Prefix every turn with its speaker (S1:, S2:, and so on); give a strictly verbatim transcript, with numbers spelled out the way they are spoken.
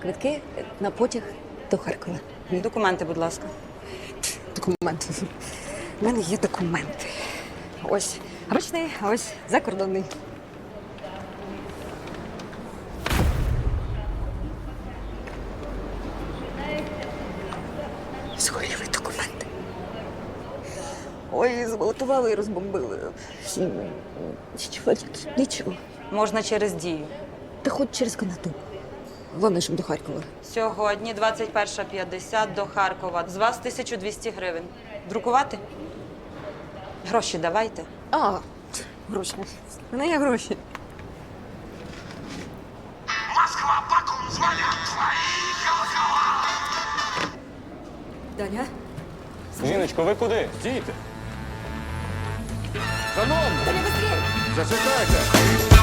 S1: квитки на потяг до Харкова.
S2: Документи, будь ласка.
S1: Документи. У мене є документи. Ось ручний, а ось закордонний. Згоріли документи. Ой, зґвалтували і розбомбили. Нічого, нічого.
S2: Можна через дію.
S1: Та хоч через канату. Головне, щоб до Харкова.
S2: Сьогодні двадцять перша п'ятдесят до Харкова. З вас тисяча двісті гривень. Друкувати? Гроші давайте.
S1: А, гроші. У мене є гроші.
S3: Москва, Баку, звонят твои колокола.
S1: Даня?
S4: Жіночко, ви куди? Стійте. Шановні,
S1: Даня, быстрее!
S4: зачекайте.